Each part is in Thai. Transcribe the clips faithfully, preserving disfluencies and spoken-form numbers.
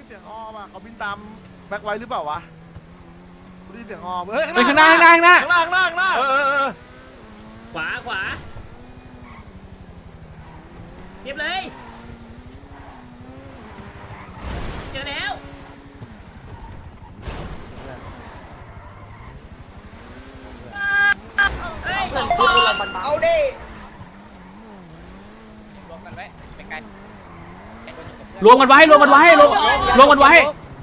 เสียงอ้อมอ่ะเขาบินตามแบ็คไว้หรือเปล่าวะได้เสียงอ้อมเฮ้ยไปข้างหน้าข้างหน้าข้างหน้าข้างหน้าข้างหน้าข้างหน้าเออเออขวาขวาเก็บเลยเจอแล้วเฮ้ยสองคนเอาดิรวมกันไว้เป็นไงรวมกันไว้รวมกันไว้รวมรวมกันไว้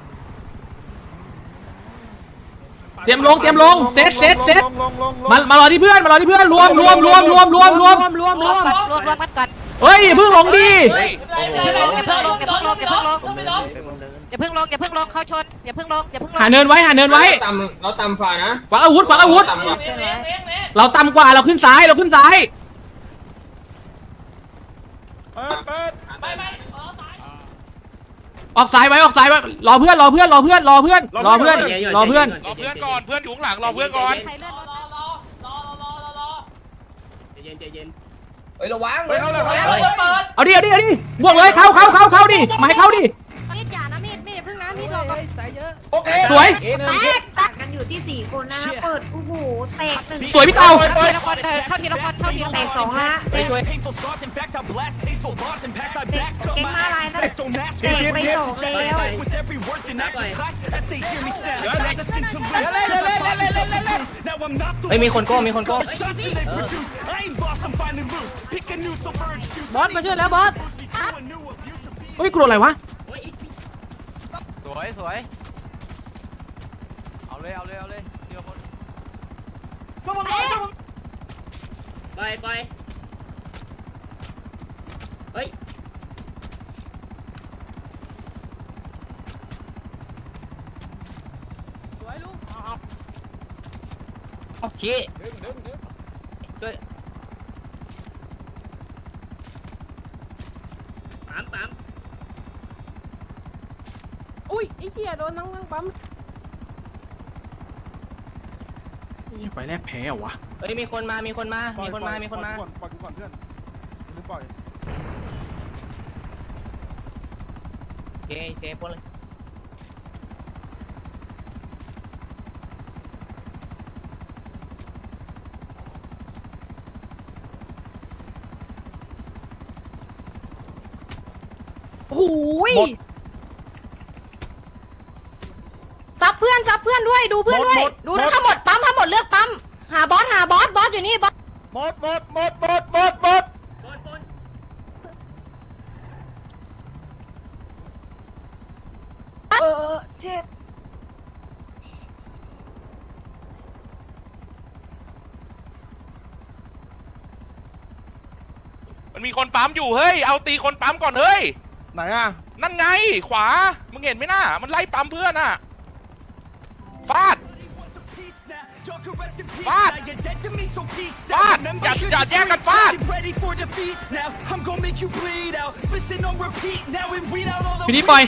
เตรียมลงเตรียมลงเซตเซตเซตมามารอที่เพื่อนมารอที่เพื่อนรวมรวมรวมรวมรวมรวมรวมรวมกันรวมรวมกันก่อนเฮ้ยเพิ่งลงดิอย่าเพิ่งลงอย่าเพิ่งลงอย่าเพิ่งลงอย่าเพิ่งลงอย่าเพิ่งลงอย่าเพิ่งลงเข้าชนอย่าเพิ่งลงอย่าเพิ่งลงหาเนินไว้หาเนินไว้ต่ำเราต่ำฝ่านะขวางอาวุธขวางอาวุธเราต่ำกว่าเราขึ้นซ้ายเราขึ้นซ้ายเปิดเปิดไปไปออกซ้ายไว้ออกซ้ายไว้รอเพื่อนรอเพื่อนรอเพื่อนรอเพื่อนรอเพื่อนรอเพื่อนรอเพื่อนก่อนเพื่อนอยู่ข้างหลังรอเพื่อนก่อนใครเลื่อนรถรอรอรอรอรอรอใจเย็นใจเย็นเฮ้ยระวังไปเข้าเลยเข้าเลยเปิดเอาดิเอาดิเอาดิบวกเลยเข้าเข้าเข้าเข้าดิมาให้เข้าดิมีดอย่านะมีดมีดเพิ่งนะมีดรอก่อนโอเคสวยแตกตัดกันอยู่ที่สี่คนนะเปิดโอ้โหแตกหนึ่งสวยพี่เต่าทีละคนเข้าทีละคนเข้าทีละแตกสองละแตกเก่งมาลายนะแตกไปสองแล้วไม่มีคนโก้มีคนโก้บอสมาช่วยแล้วบอสเฮ้ยกลัวอะไรวะสวยสวยเอาเลยเอาเลยเอาเลยเดี๋ยวคนไปไปเฮ้ย สวยลูกโอเคปั๊มปั๊มอุ้ยไอ้เหี้ยโดนนั่งนั่งปั๊มไฟแรกแพ้เหรอวะเฮ้ยมีคนมามีคนมามีคนมามีคนมาปล่อยกูก่อนเพื่อนลืมปล่อยโอเคโอเคพ้นเลยโอ้ยซับเพื่อนซับเพื่อนด้วยดูเพื่อนด้วยดูนะทั้งหมดปั๊มทั้งหมดเลือกปั๊มหาบอสหาบอสบอสอยู่นี่บอสหมดหมดหมดหมดหมดหมดบอสบอสเออเจ็บมันมีคนปั๊มอยู่เฮ้ยเอาตีคนปั๊มก่อนเฮ้ยไหนอ่ะนั่นไงขวามึงเห็นไหมน่ะมันไล่ปั๊มเพื่อนน่ะฟาดฟาดฟาดอย่าอย่าแยกกันฟาดพี่นี่ปล่อย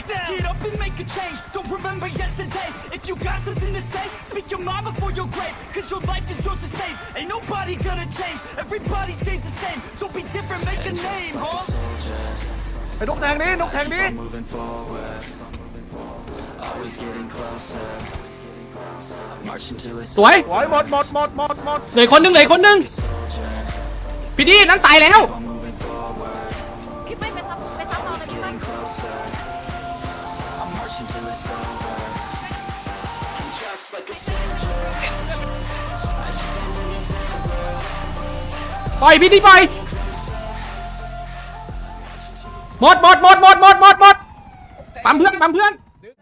ไอ้นกแทงนี้นกแทงนี้สวยโอ้ยหมดหมดหมดหมดหมดเหลือคนหนึงเหลือคนหนึงพี่ดีนั้นตายแล้วพี่ไม่ไปซับไปซับเราเลยพี่มันปล่อยพี่ดีปล่อยหมดหมดหมดหมดหมดหมดหมดปั๊มเพื่อนปั๊มเพื่อน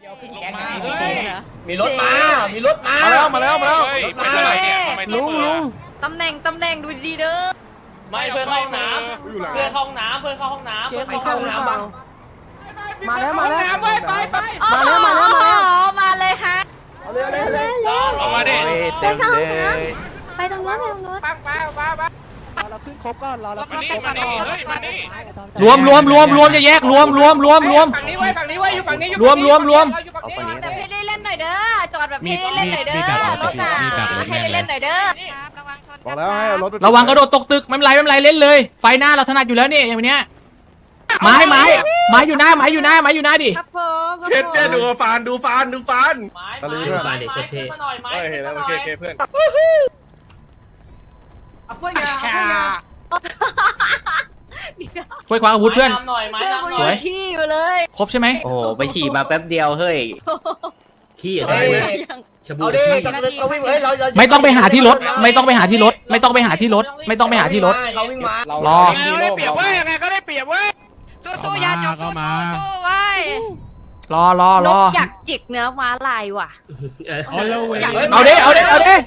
มีรถมามีรถมามาแล้วมาแล้วมาแล้วเฮ้ยไปเท่าไหร่เนี่ยทำไมต้องเปิดตำแหน่งตำแหน่งดูดีเด้อไม่เพื่อนเข้าห้องน้ำเพื่อนเข้าห้องน้ำเพื่อนเข้าห้องน้ำเจ๊เพื่อนเขาเข้าเข้าห้องหรือน้ำเปล่ามาแล้วมาแล้วไปไปไปมาแล้วมาแล้วมาเลยฮะเอาเลยเอาเลยเอาเลยเอามาดิไปทางนู้นไปตรงนู้นไปตรงนู้นปังปังปังปังรอเราขึ้นครบก่อนรอเรามานี่มานี่เฮ้ยมานี่รวมรวมรวมรวมจะแยกรวมรวมรวมรวมฝั่งนี้ไว้ฝั่งนี้ไว้อยู่ฝั่งนี้อยู่รวมรวมรวมแต่พี่ได้เล่นหน่อยเด้อจอดแบบพี่ได้เล่นหน่อยเด้อรถน่ะให้ได้เล่นหน่อยเด้อระวังชนบอกแล้วให้เอารถไประวังกระโดดตกตึกไม่เป็นไรไม่เป็นไรเล่นเลย ไฟหน้าเราถนัดอยู่แล้วนี่อย่างเนี้ยไม้ไม้ไม้อยู่หน้าไม้อยู่หน้าไม้อยู่หน้าดิครับผมเช็ดเช็ดดูฟานดูฟานดูฟานไม้ไม้ไม้ไม้ขึ้นมาหน่อยไม้เฮ้ยเห็นแล้วโอเคโอเคเพื่อนเอาเพื่อนยาเอาเพื่อนยาช่วยคว้าอาวุธเพื่อนหน่อยไม้ดำหสน่วอย ยขี้ไปเลยครบใช่ไหมโอ้โหไปฉี่มาแป๊บเดียวเฮ้ยขี้อะเฮ้ยเอาดิกำลังเราวิ่งเฮ้ยเราเราไม่ต้องไปหาที่รถ ไม่ต้องไปหาที่รถ ไม่ต้องไปหาที่รถ ไม่ต้องไปหาที่รถเขาวิ่งมารอได้เปรียบเว้ยยังไงก็ได้เปรียบเว้ยสู้ๆอย่าจบสู้ๆสู้ๆไว้รอรอน รอกอยากจิกเนื้อม้าลายว่ะเอาดิเอาดิเอาดิ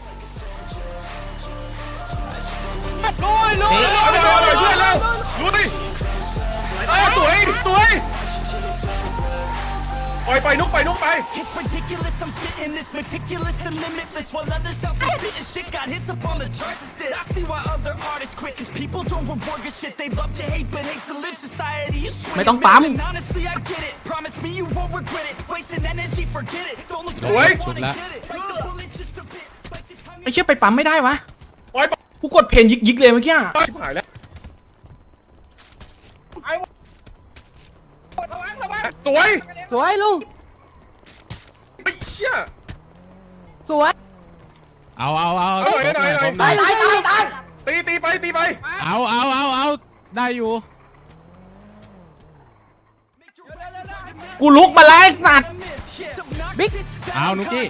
ลุยลุยเอาเลยเอาเลยเพื่อนเร็วลุยเออสวยสวยปล่อยไปนุกไปนุกไป It's ridiculous, I'm spitting this meticulous and limitless while others out there spitting shit got hits up on the charts and sit. I see why other artists quit cause people don't reward good shit. They love to hate but hate to live society. You swing ไม่ต้องปั๊ม and honestly I get it. Promise me you won't regret it. Wasting energy, forget it. Don't look สวย back, wanna get it. Bite the bullet just a bit. Bite just honey. ไอ้เชี่ยไปปั๊มไม่ได้วะปล่อยไปกูกดเพนยิกยิกเลยเมื่อกี้ชิบหายแล้วสวยสวยลุงไอ้เชี่ยสวยเอาเอาเอาเอาหน่อยหน่อยหน่อยตายตายตายตายตีตีไปตีไปเอาเอาเอาเอาได้อยู่กูลุกมาแล้วไอ้สัตว์บิ๊กเอานุกกี้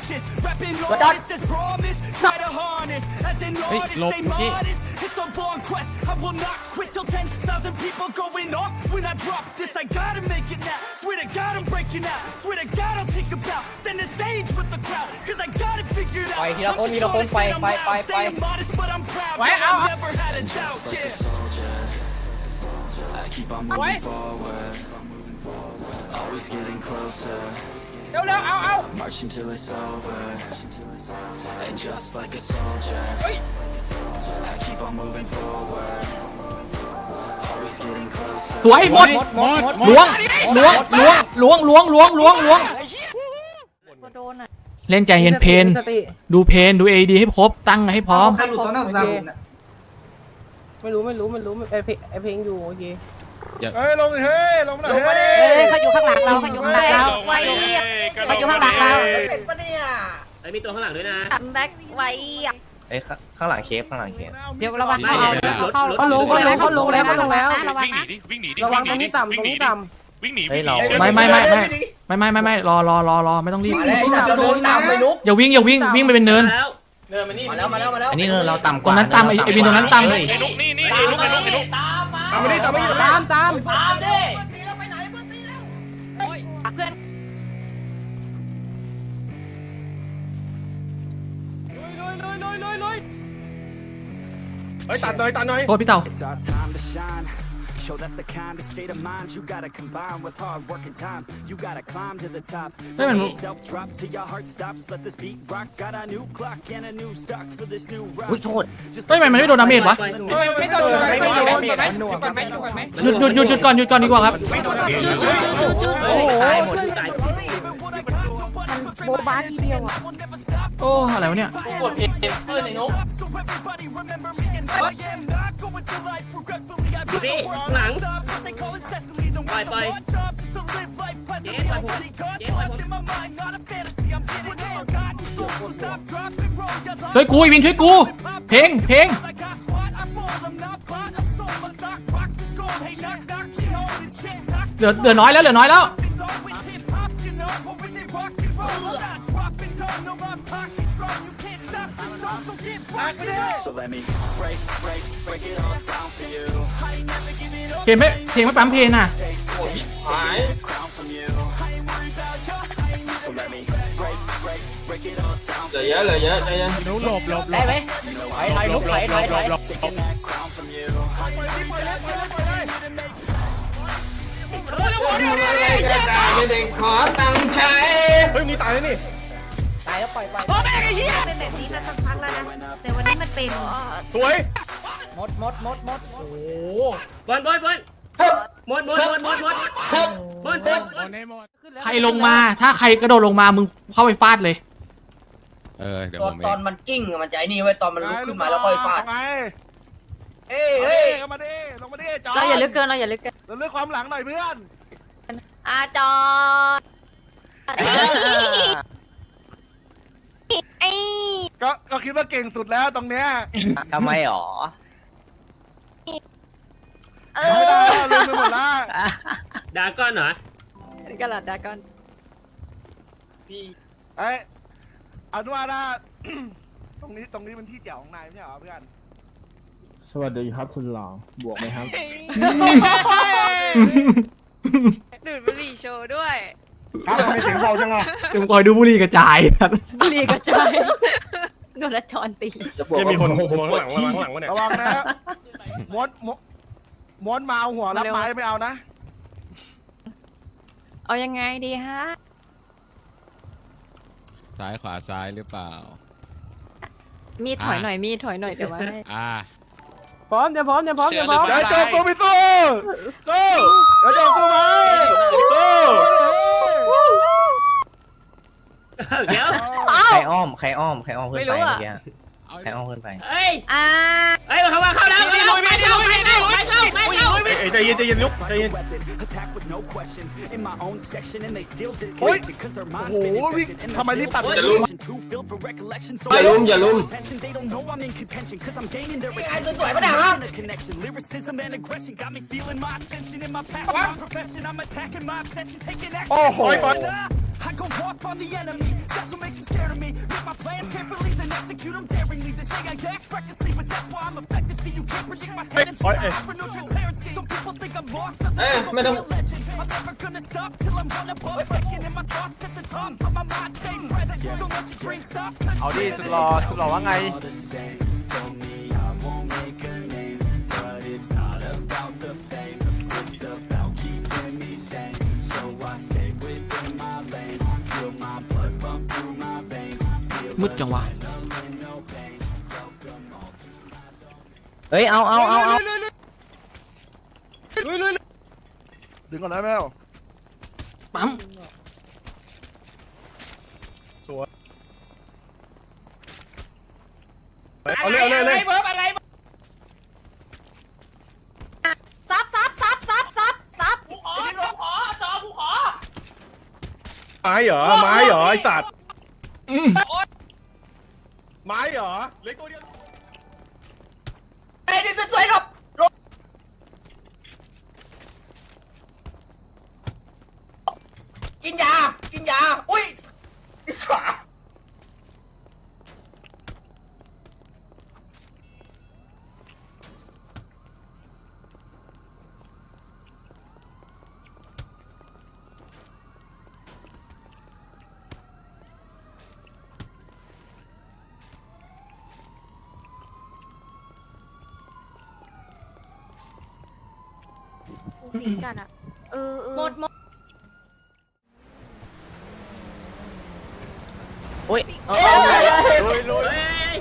เฮ้ยหลบนุกกี้ It's a long quest. I will not quit till ten thousand people going off when I drop this. I gotta make it now. Swear to God I'm breaking out. Swear to God I'll take a bow. Stand the stage with the crowd. Cause I got it figured out. ไปทีละคนทีละคนไปไปไปไป Staying modest but I'm proud. Wait, I ow, ow. never had a doubt. Yeah. I keep on moving forward. Always getting closer. เร็วเร็วเอาเอา March until it's over. And just like a soldier. I keep on moving forward. Always getting closer. สวยหมดหมดหมล้วงดล้วงล้วงล้วงล้วงล้วงล้วงโดนอ่ะเล่นใจเย็นเพนสติดูเพนดูเอดีให้ครบตั้งให้พร้อมใครหลุดตอนนั้นผมเนี่ยไม่รู้ไม่รู้ไม่รู้ไอเพลงไอเพลงอยู่โอเคเฮ้ยลงเฮ้ยลงมาหน่อยเฮ้ยเฮ้ยเขาอยู่ข้างหลังเราเขาอยู่ข้างหลังเราไว้เขาอยู่ข้างหลังเราเป็นปะเนี่ยไอ้มีตัวข้างหลังด้วยนะตันแบ็คไว้อะเอ้ยข้างหลังเคฟข้างหลังเคฟเดี๋ยวระวังเขาเอาเขาเขาลงเขาลงเขาลงแล้วเขาลงแล้วระวังวิ่งหนีนะดิวิ่งหนีดิระวังวิ่งตหรนีงดินี้ต่ำตรงวิ่งหนีนี้ดิต่วิ่งหนีเฮ้ยเราไม่ไม่ไม่ไม่ไม่ไม่ไม่ไม่รอรอรอรอไม่ต้องรีบมาแล้วจะโดนน้ำไปนุกอย่าวิ่งอย่าวิ่งวิ่งไปเป็นเนินแล้วเดินมานี่มาแล้วมาแล้วมาแล้วอันนี้เราต่ำกว่าตรงนั้นต่ำไอ้ไอ้วินตรงนั้นต่ำไอ้นุกนี่นี่ไอ้นุกไอ้นุกไอ้นุกตามมาตามมาดิตามมาดิำตามตามตามดิเพื่อนเฮ้ยตัดหน่อยตัดหน่อยโทษพี่เต่า It's our time to shine. Yo, that's the kind of state of mind you gotta combine with hard work and time. You gotta climb to the top. Hey, man. Don't let yourself drop till your heart stops. Let this beat rock. Got a new clock and a new stock for this new rock. อุ้ยโทษ Just เฮ้ยทำไมมันไม่โดนดาเมจวะไม่โดนไม่โดนไม่โดนไม่โดนไม่โดนไม่โดนหยุดหยุดหยุดหยุดก่อนหยุดก่อนดีกว่าครับโอ้โหตายหมดตายโบบ้าทีเดียวอ่ะโอ้อะไรวะเนี่ยกดเอ็มเพื่อนไอ้นุ๊ก so everybody remember me and I am not going through life regretfully. I ดู put ดิ the work หลัง stop. They call it Cecily. The Bye, words bye. of my job is to live life pleasantly. Yeah, I'm bye. getting caught Yeah, bye. lost in my mind, not a fantasy. I'm getting forgotten soul. So stop, drop, and roll your life. ช่วยกูไอ้วินช่วยกู เพลงเพลง Like I squat, I fall. I'm not bought. I'm sold. My stock rocks. It's gold. Hey, knock, knock. She holding shit. Talk เหลือเหลือน้อยแล้วเหลือน้อยแล้ว it all with hip hop, you know. Or is it rock and roll? I'm not dropping down. No, my pocket's strong. You can't stop the show, so get back it up. So let me break, break, break it all down for you. I ain't never giving up. เพลงไม่เพลงไม่ปั๊มเพลงน่ะหาย Crown from you. I ain't worried about you. I ain't never so let me break, break, break it all down. เหลือเยอะเหลือเยอะใจเย็นนุกหลบหลบหลได้บไหมถอยถอยลุกถอยถอยถอย Taking that crown from you. ไม่ได้ขอตังค์ใช้เฮ้ยมีตายแล้วนี่ตายแล้วปล่อยไปเป็นแบบนี้มาสักพักแล้วนะแต่วันนี้มันเป็นสวยหมดหมดหมดหมดโอ้บอลบอลบอลหมดหมดหมดหมดหมดหมดหมดหมดให้หมดใครลงมาถ้าใครกระโดดลงมามึงเข้าไปฟาดเลยเออเดี๋ยวตผอนมเอตอนงมันกิ้งอะมันจะไอ้นี่ไว้ตอนมันลุกขึ้นมาแล้วค่อยฟาดไงเฮ้ยเฮ้เฮ้ยยลงมาดิลงมาดิจอเราอย่าลึกเกินเราอย่าลึกเกินเราเลือกความหลังหน่อยเพื่อนอาจอดไอ้ก็ก็คิดว่าเก่งสุดแล้วตรงเนี้ยทำไมหรอเอไม่ได้อลืมไปหมดละดาก้อนเหรอกระดาษดาก่อนเอ้ยเอาด้วยนะ ตรงนี้ตรงนี้เป็นที่เจ๋วของนายไม่ใช่เหรอเพื่อนสวัสดีครับสุดหล่อบวกไหมครับดูดบุหรี่โชว์ด้วยครับทำไมเสียงเบาจังอ่ะเดี๋ยวมึงคอยดูบุหรี่กระจายบุหรี่กระจายโดนละจอนตียังมีคนมองข้างหลังข้างหลังวะเนี่ยระวังนะม้วนม้วนม้วนมาเอาหัวรับไม้ไม่เอานะเอายังไงดีฮะซ้ายขวาซ้ายหรือเปล่ามีถอยหน่อยมีถอยหน่อยแต่ว่าอ่าพร้อมเดี๋ยวพร้อมเดี๋ยวพร้อมเดี๋ยวพร้อมเดี๋ยวโจมกูไปสู้สู้เดี๋ยวโจมกูมาสู้เดี๋ยวใครอ้อม ใครอ้อม ใครอ้อมขึ้นไปเมื่อกี้เอาใครอ้อมขึ้นไปเฮ้ยอ่าเฮ้ยมาเข้ามาเข้าแล้วเข้าไปเข้าไปเข้าไปเข้าไปเข้าเอ้ยใจเย็นใจเย็นลุกใจเย็นโอ้ยโอ้โหวิ่งทำไมรีบตัดจะลุมอย่าลุมอย่าลุมไอ้สวยๆปะเนี่ยฮะโอ้โห I go off on the enemy, that's what makes them scared of me. Make my plans carefully, then execute them daringly. They say I act recklessly, but that's why I'm effective. See, you can't predict my tendencies. I offer no transparency. Some people think I'm lost, others think I'm a legend. I'm never gonna stop till I'm one above second. And my thoughts at the top, but my mind stay present. Don't let your dreams stop. เอาดิสุดหล่อสุดหล่อว่าไงมืดจังวะเฮ้ย เอาเอาเอาเอาดึงก่อนนะแมวปั๊มเอาเลยเอาเลยเลยอะไรซับซับซับซับซับซับกูขอกูขอจอกูขอไม้เหรอไม้เหรอไอ้สัตว์ไม้เหรอเล็กตัวเดียวไอ้นี่สวยๆหรอกกินยา กินยา อุ้ยอิสระกันอ่ะเออหมดหมดอุ้ยลุยลุยเฮ้ย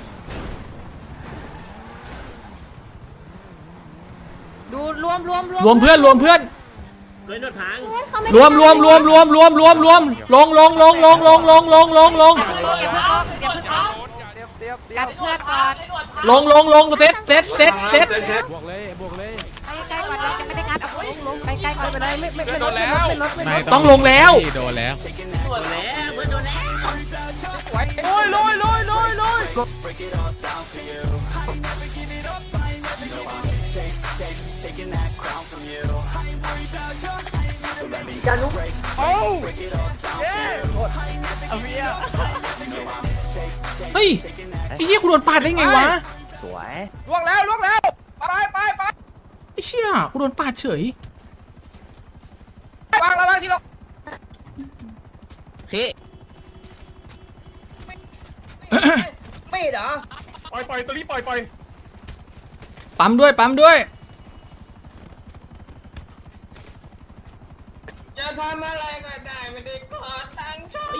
ดูรวมรวมรวมรวมเพื่อนรวมเพื่อนเลยนวดพังรวมรวมรวมรวมรวมรวมรวมลงลงลงลงลงลงลงลงลงอย่าเพิ่งลงอย่าเพิ่งลงกันเพื่อนก่อนลงลงลงเซตเซตเซตเซตบวกเลยบวกเลยใกล้ๆก่อนเราจะไม่ได้งัดเอาลงลงใกล้ๆก่อนไม่ได้ไม่ไม่ไม่โดนแล้วไม่ต้องลงแล้วโดนแล้วโดนแล้วเพื่อนโดนแล้วโอ้ยลุยลุยลุยลุยอย่าลุกโอ้เย้เอาเมียเฮ้ยไอ้เหี้ยกูโดนปาดได้ไงวะสวยล่วงแล้วล่วงแล้วไปไปไปไอ้เชี่ยกูโดนปาดเฉยวางแล้ววางทีละพี่ไม่เหรอปล่อยปล่อยตัวนี้ปล่อยปล่อยปั๊มด้วยปั๊มด้วยจะทำอะไรก็ได้ไม่ได้ขอตังค์ช่วย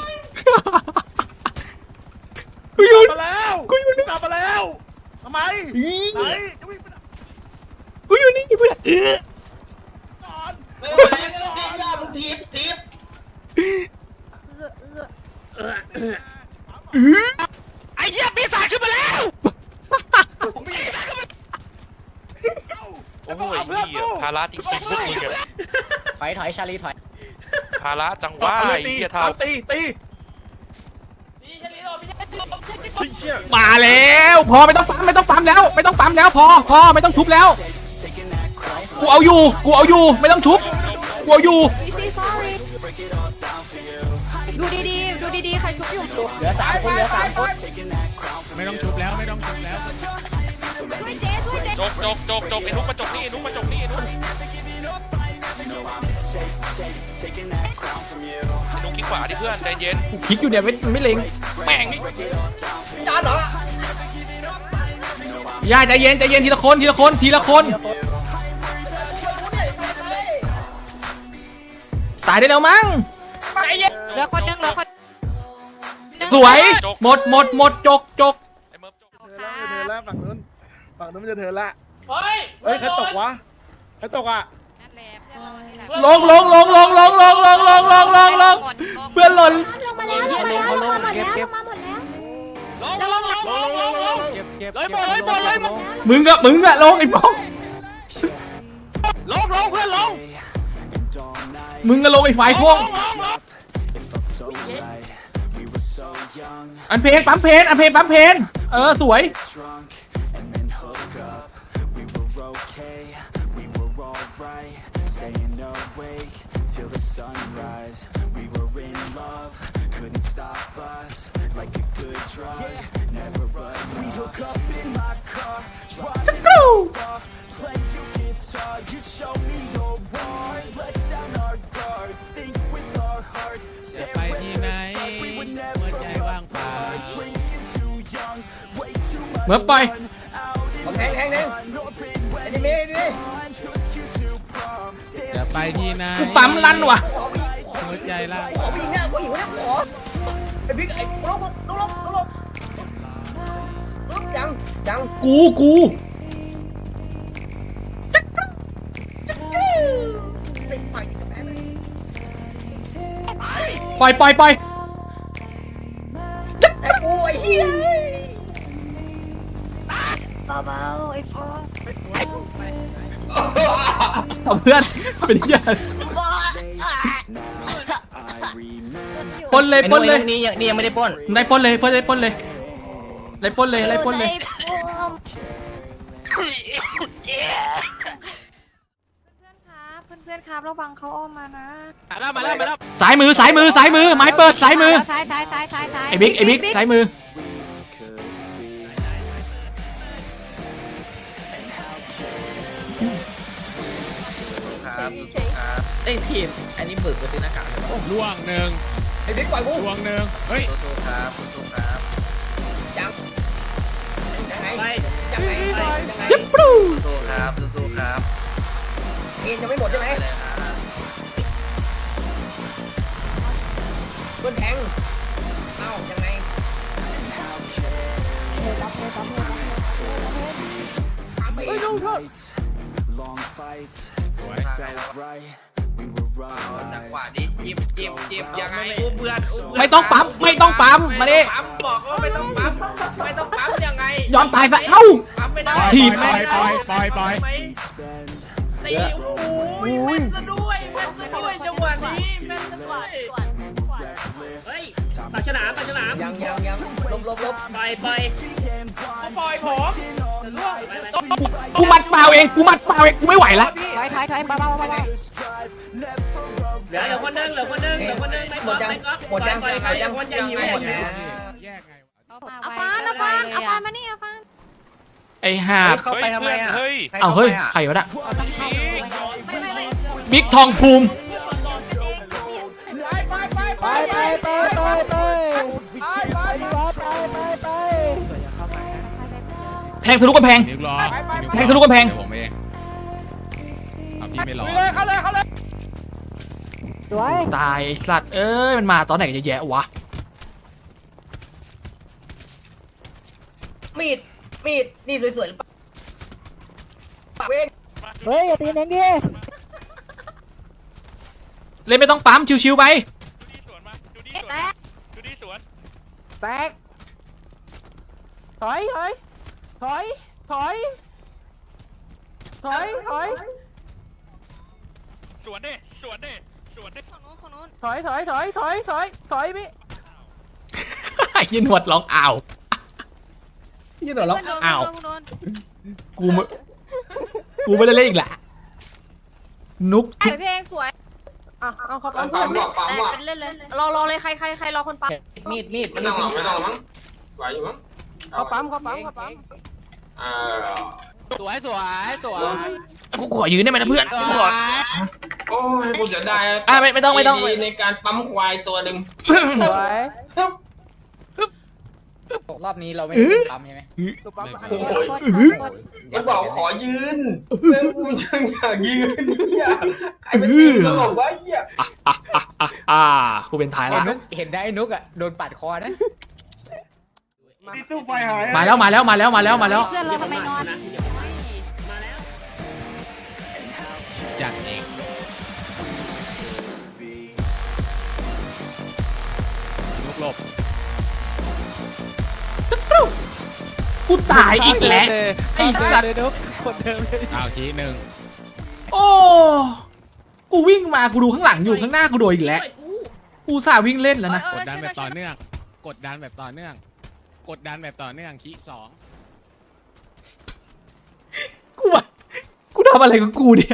กูอยู่มาแล้วกูอยู่นี่กลับมาแล้วทำไมไหนจะวิ่งไปไหนกูอยู่นี่เพื่อนเออก่อนไม่ไหวก็ต้องกินยามึงทีบทีบไอ้เหี้ยปีศาจขึ้นมาแล้วโอ้โหไอ้เหี้ยภาระจริงๆพวกมึงอะถอยถอยชาลีถอยภาระจังหวะเอาเลไอ้ยตีเหี้ยเท่าเอาตีตีพี่ชลิโอพี่ชลิโอเฮ้ยเชี่ยมาแล้วพอไม่ต้องปั๊มไม่ต้องปั๊มแล้วไม่ต้องปั๊มแล้วพอพอไม่ต้องชุบแล้วกูเอาอยู่กูเอาอยู่ไม่ต้องชุบกูเอาอยู่ sorry ดูดีๆดูดีๆใครชุบอยู่เหลือสามคนเหลือสามคนไม่ต้องชุบแล้วไม่ต้องชุบแล้วช่วยเจ๊ช่วยเจ๊จกจกจกจกไอ้นุ๊กมาจกนี่ไอ้นุ๊กมาจกนี่ไอ้นุ๊กไอ้นุ๊กคิดขวาดิเพื่อนใจเย็นกูคลิกอยู่เนี่ยไม่ไม่เล็งแม่งนี่ย่าใจเย็นใจเย็นทีละคนทีละคนทีละคนตายได้แล้วมั้งเหลือคนนึงเหลือคนสวยหมดหมดหมดจกจกไอ้เมิร์ฟจกเธอแล้วฝั่งนู้นฝั่งนู้นมันจะเธอละเฮ้ยเฮ้ยใครตกวะใครตกอ่ะลงลงลงลงลงลงลงลงลงลงลงเพื่อนหล่นลงมาแล้วลงมาแล้วลงมาหมดแล้วลงมาหมดแล้วลงลงลงลงลงลงเก็บเก็บเลยบอลเลยบอลเลยมึงอะมึงอะลงไอ้ป้องลงลงเพื่อนลงมึงอะลงไอ้ฝ่ายพวงลงลงลงอันเพนปั๊มเพนอันเพนปั๊มเพนเออสวยจะไปที่ไหนหัวใจว่างเปล่าเหมือนไปแทงแทงแทงไอ้นี่มีนี่จะไปที่ไหนกูปั๊มลั่นว่ะหัวใจล่างผู้หญิงเนี่ยผู้หญิงเนี่ยขอไอ้บิ๊กไอ้ลบลบลบลบลบลบยังยังกูกูติดต่อยกับแม่ปล่อยปล่อยปล่อยไอ้กูไอ้เหี้ยเบาๆไอ้ฟองเอาเพื่อนเป็นเหี้ยปล้นเลยปล้นเลยนี่ยังนี่ยังไม่ได้ปล้นได้ปล้นเลยเพื่อนได้ปล้นเลยไล่ปล้นเลยไล่ปล้นเลยเพื่อนครับเพื่อนๆครับระวังเขาอ้อมมานะมาแล้วมาแล้วมาแล้วสายมือสายมือสายมือไม้เปิดสายมือซ้ายซ้ายซ้ายซ้ายซ้ายไอ้บิ๊กไอ้บิ๊กสายมือครับไอ้ทีมอันนี้บึกไปซื้อหน้ากากเลยล่วงหนึ่งไอ้บิ๊กปล่อยกูล่วงหนึ่งเฮ้ยสู้ๆครับสู้ๆครับยังยังไงไปยังไงยังไงยิบปรูสู้ๆครับสู้ๆครับเอ็นยังไม่หมดใช่ไหมเพื่อนแทงเอ้ายังไง Oi, no, no. Long fights, it felt right. We were right. จังหวะนี้จิบจิบจิบยังไงอุ้มเพื่อนอุ้มเพื่อนไม่ต้องปั๊มไม่ต้องปั๊มมาดิปั๊มบอกว่าไม่ต้องปั๊มไม่ต้องปั๊มยังไงยอมตายซะเอ้าปั๊มไม่ได้ถีบปล่อยปล่อยปล่อยปล่อยไหม Bend. ตีโอ้โหแม่นซะด้วยแม่นซะด้วยจังหวะนี้แม่นซะด้วยเฮ้ยปากฉลามปากฉลามยังยังยังลบลบลบปล่อยปล่อยปล่อยผมจะล่วงไปไปกูมัดเปล่าเองกูมัดเปล่าเองกูไม่ไหวละถอยถอยถอยเบาๆเบาเหลือเหลือคนนึงเหลือคนนึงเหลือคนนึงไม่หมก๊อดฟยังไม่ก๊อฟหมดยังปล่อยหใครมดยังคนอย่าหิวคนอย่าหิวแยกไงๆเอาฟานเอาฟานเอาฟานมานี่เอาฟานไอ้ห่าเข้าไปทำไมอ่ะเฮ้ยเอาเฮ้ยใครวะน่ะเราต้องเข้าไปไม่ไม่ไม่บิ๊กทองภูมิไปไปไปไปไปแทงทะลุกำแพงเดี๋ยวรอแทงทะลุกำแพงเดี๋ยวผมเองเอาพี่ไม่รอเขาเลยเขาเลยสวยตายไอ้สัตว์เอ้ยมันมาตอนไหนกันเยอะแยะวะมีดมีดนี่สวยๆหรือเปล่าเว้งเฮ้ยอย่าตีเน้นดิเล่นไม่ต้องปั๊มชิวๆไปดูดีสวนมาดูดีสวนแตกดูดีสวนแตกถอยถอยถอยถอยถอยถอยสวนดิสวนดิสถอยถอยถอยถอยถอยถอยพี่ไอ้ยินหนวดร้องอ้าวยินหนวดร้องอ้าวกูไม่กูไม่ได้เล่นอีกละนุกสวยเพลงสวยอ่ะเอาเขาปั๊มเล่นเล่นเลยรอรอเลยใครใครใครรอคนปั๊มมีดมีดไม่ต้องหรอกไม่ต้องหรอกมั้งไหวอยู่มั้งเขาปั๊มเขาปั๊มเขาปั๊มอ่าสวยสวยสวยกูขอยืนได้ไหมนะเพื่อนกูขอโอ้ยกูเสียดายอ่ะไม่ไม่ต้องไม่ต้องดีในการปั๊มควายตัวหนึ่งสวยรอบนี้เราไม่ได้ปั๊มใช่ไหมตัวปั๊มอันโอ้นี้ยมันบอกขอยืนเรื่องกูช่างอยากยืนเหี้ยใครเป็นตีนก็บอกว่าเหี้ยอ่ะอ่ะอ่ะอ่ะอ่ะกูเป็นท้ายละเห็นได้นุกอ่ะโดนปาดคอนะมีตู้ไฟหายมาแล้วมาแล้วมาแล้วมาแล้วมาแล้วเพื่อนเราทำไมนอนมาแล้วจัดเอง ลุกหลบกูตายอีกแล้วไอ้สัตว์เอาทีหนึ่งโอ้กูวิ่งมากูดูข้างหลังอยู่ข้างหน้ากูโดนอีกแล้วกูสาวิ่งเล่นแล้วนะกดดันแบบต่อเนื่อง กดดันแบบต่อเนื่อง กดดันแบบต่อเนื่องคีสองกูว่ากูทำอะไรกับกูเนี่ย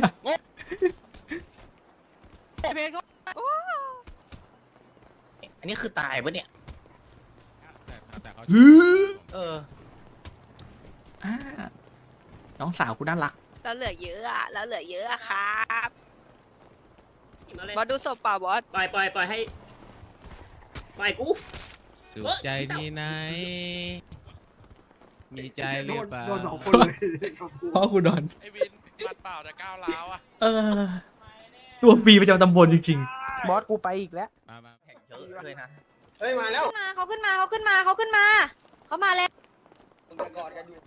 อันนี้คือตายปะเนี่ยแต่แต่เขาฮือเอออ่าน้องสาวกูน่ารักเราเหลือเยอะอ่ะเราเหลือเยอะอะครับมาเลยบอสดูศพเปล่าบอสปล่อยปล่อยปล่อยให้ปล่อยกูสุขใจที่ไหน มีใจหรือเปล่าโดนสองคนเลยพ่อกูโดนไอ้วินมัดเปล่าแต่ก้าวร้าวอ่ะเออ ตัวฟรีประจำตำบลจริงบอสกูไปอีกแล้วมามาเยอะเลยนะเฮ้ยมาแล้วขึ้นมาเขาขึ้นมาเขาขึ้นมาเขาขึ้นมาเขามาแล้วกอดกันอยู่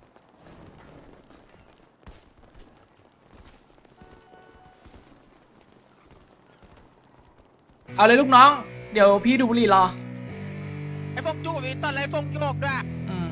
ๆ เอาเลยลูกน้อง เดี๋ยวพี่ดูบุหรี่รอไอ้ฟงจูบมีตอนไรฟงโยกด้วยอืม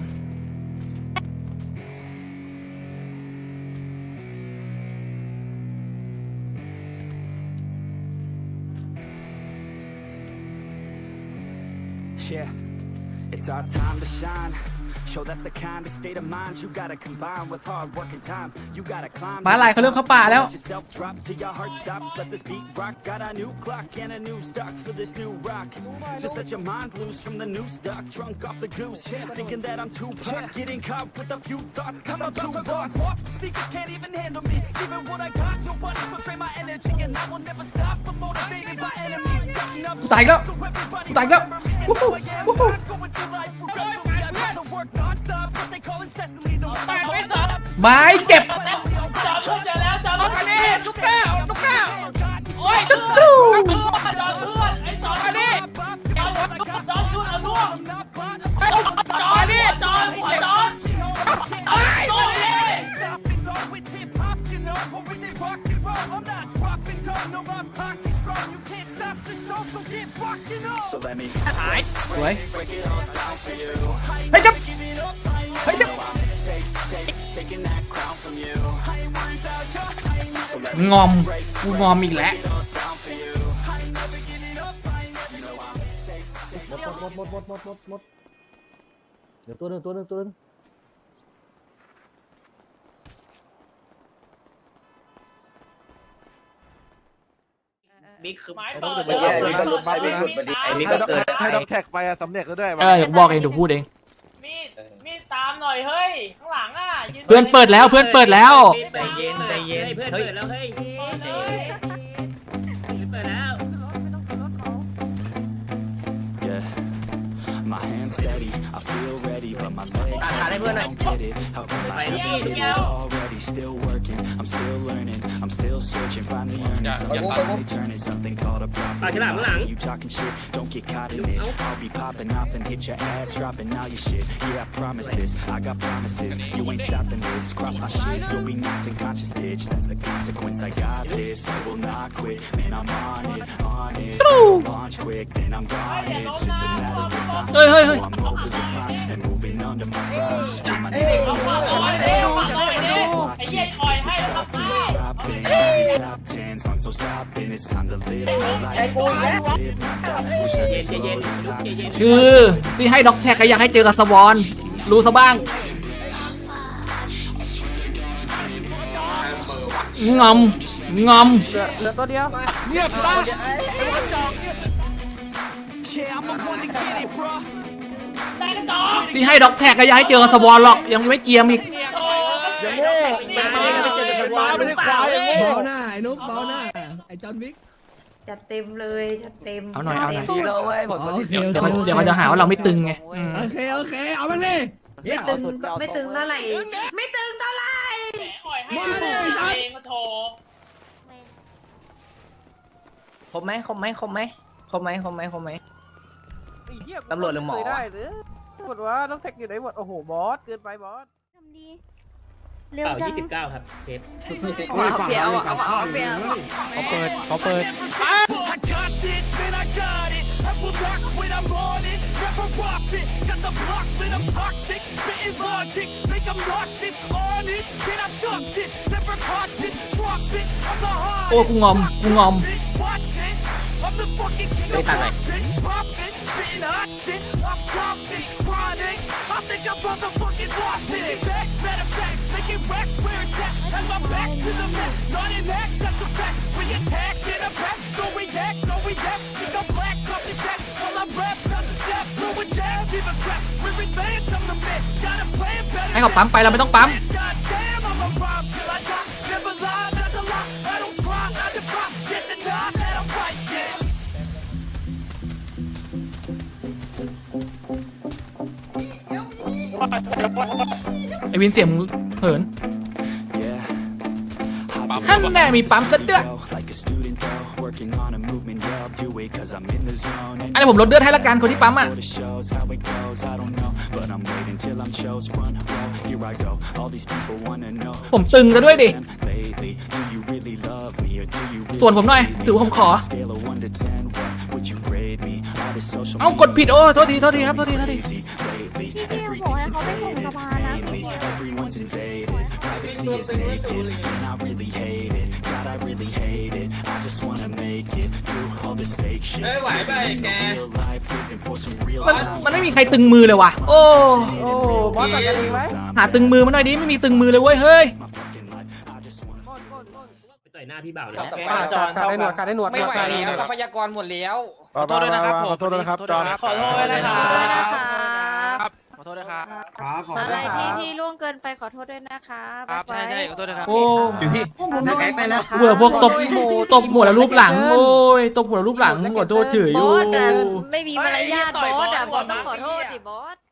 Yeah, it's our time to shine. Show that's the kind of state of mind you gotta combine with hard work and time. You gotta climb. ม้าลายเขาเริ่มเข้าป่าแล้ว Let yourself drop till your heart stops. Let this beat rock. Got a new clock and a new stock for this new rock. Just let your mind loose from the new stock. Drunk off the goose, thinking that I'm too pop. Getting caught with a few thoughts, cause I'm too lost. Off the speakers can't even handle me. Even what I got, nobody will drain my energy, and I will never stop. I'm motivated by enemies. Setting up กูตายอีกแล้ว so everybody กูตายอีกแล้ว remember me and who I am. I'm not going through life regretfully. I'd rather work non-stop, what they call incessantly. The rest of my life, ไม้เจ็บจอมเพื่อนเจอแล้วจอมเพื่อนนี่ลูกแก้วลูกแก้วโอ้ยจอมเพื่อนจอมเพื่อนไอ้จอมนี่จอมจอมยุ่นเอาล่วงจอมนี่จอมหัวจอมไอ้ตัวนี้ stopping though, it's hip-hop, you know, or is it rock and roll? I'm not dropping down, no, my pocket's strong. You can't stop the show, so get rocking on. So let me สวยเฮ้ยจับเฮ้ยจับ taking that crown from you. งอม กูงอมอีกแล้วเดี๋ยวตัวหนึ่งตัวหนึ่งตัวหนึ่งบิ๊กคือไม้เปิดเมื่อกี้ไอ้บิ๊กก็หลุดไปบิ๊กหลุดไปดิไอ้บิ๊กก็เกิดให้ด็อกแท็กไปอะสำเร็จแล้วด้วยเออเดี๋ยวบอกเองเดี๋ยวพูดเองมีดมีดตามหน่อยเฮ้ยข้างหลังอ่ะเพื่อนเปิดแล้วเพื่อนเปิดแล้วใจเย็นใจเย็นเพื่อนเปิดแล้วเฮ้ยเปิดแล้ว Yeah, my hands steady, I feel ready, but my legs heavy, I don't get it. How come I haven't hit it already? Still working, I'm still learning, I'm still searching, finally earning something, finally turning something called a profit. You talking shit, don't get caught in it. I'll be popping off and hit your ass, dropping all your shit. Yeah, I promise this, I got promises. You ain't stopping this, cross my shit, you'll be knocked unconscious, bitch. That's the consequence. I got this, I will not quit, man. I'm on it, honest. I'll launch quick, then I'm gone. It's just a matter of time. เฮ้ยเฮ้ยเฮ้ย I'm over the climb and moving under my prime. Just do my เอาฝั่งเอาไว้ดิเอาฝั่งเอาไว้ดิไอ้เหี้ยอ่อยให้แล้วครับอ้าวไอ้กูอีกแล้วเย็นใจเย็นลูกใจเย็นคือที่ให้ด็อกแท็กก็อยากให้เจอกับสวอนรู้ซะบ้างงอมงอมเหลือตัวเดียวเงียบบ้าไอ้บอลจอกเงียบได้แล้วต่อที่ให้ด็อกแท็กก็อยากให้เจอกับสวอนหรอกยังไม่เกียมอีกโอ้อย่างโง่เป็นม้าเป็นม้าไม่ใช่ควายอย่างโง่เบาหน้าไอ้นุ๊กเบาหน้าไอ้จอห์นวิกจัดเต็มเลยจัดเต็มเอาหน่อยเอาหน่อยดีแล้วเว้ยผมโอเคเดี๋ยวเขาเดี๋ยวเขาจะหาว่าเราไม่ตึงไงอืมโอเคโอเคเอามันสิไม่ตึงก็ไม่ตึงเท่าไหร่ไม่ตึงเท่าไหร่แหมอ่อยให้เองก็โถคมไหมคมไหมคมไหมคมไหมคมไหมคมไหม ตำรวจหรือหมอได้หรือหมดว่าต้องแท็กอยู่ไหนหมดโอ้โหบอสเกินไปบอสทำดีเป่ายี่สิบเก้าครับเชฟเอาเสียเอาเอาเอาเสียเขาเปิดเขาเปิด I got this, man, I got it. I will rock when I'm on it. Never rock it. Got the block lit, I'm toxic. Spitting logic, make them nauseous. Honest, can I stop this? Never cautious, drop it. I'm the hardest. โอ้กูงอมกูงอม Bitch, watch it. I'm the fucking king of pop, bitch. Pop it, spitting hot shit. I'm dropping, chronic. I think I'm motherfucking lost it. Back, matter of fact, making racks where it's at. Have my back to the mat. Not in that, that's a fact. We attack in a back, no react, no react. Think I'm black, copy that. While I rap, not a step, throw a jab, give a crap. We're advanced, I'm the man. Got a plan better. ให้เขาปั๊มไปเราไม่ต้องปั๊ม Goddamn, I'm a rhyme till I die. Never lie, that's a lie. I don't try, I defy. Yes and nah, that I'm right, yeah. ไอวินเสียงมึงเหินฮันแน่มีปั๊มซะด้วยอันนี้ผมลดเลือดให้ละกันคนที่ปั๊มอ่ะผมตึงซะด้วยดิส่วนผมหน่อยถือว่าผมขอเอ้ากดผิดโอ้โทษทีโทษทีครับโทษทีโทษทีเอ้ยไหวไปแกมันมันไม่มีใครตึงมือเลยว่ะโอ้โอ้บอสจัดกันเองไหมหาตึงมือมาหน่อยดิไม่มีตึงมือเลยเว้ยเฮ้ยไปต่อยหน้าพี่บ่าวเลยขาดได้หนวดขาดได้หนวดไม่ไหวขาดด้แล้วนทรัวดพยากรหมดแล้วขอโทษด้วยนะครับผมขอโทษด้วยนะครับจอห์นขอโทษด้วยนะครับขอโทษด้วยครับครับผมอะไรที่ที่ล่วงเกินไปขอโทษด้วยนะคะครับใช่ใช่ขอโทษด้วยครับโอ้ถึงที่ผมโดนไปแล้วเบื่อพวกตบตบหัวแล้วรูปหลังโอ้ยตบหัวแล้วรูปหลังหัวโทษเฉยบอยู่อสอะไม่มีมารยาทบอสอะบอสต้องขอโทษดิบอส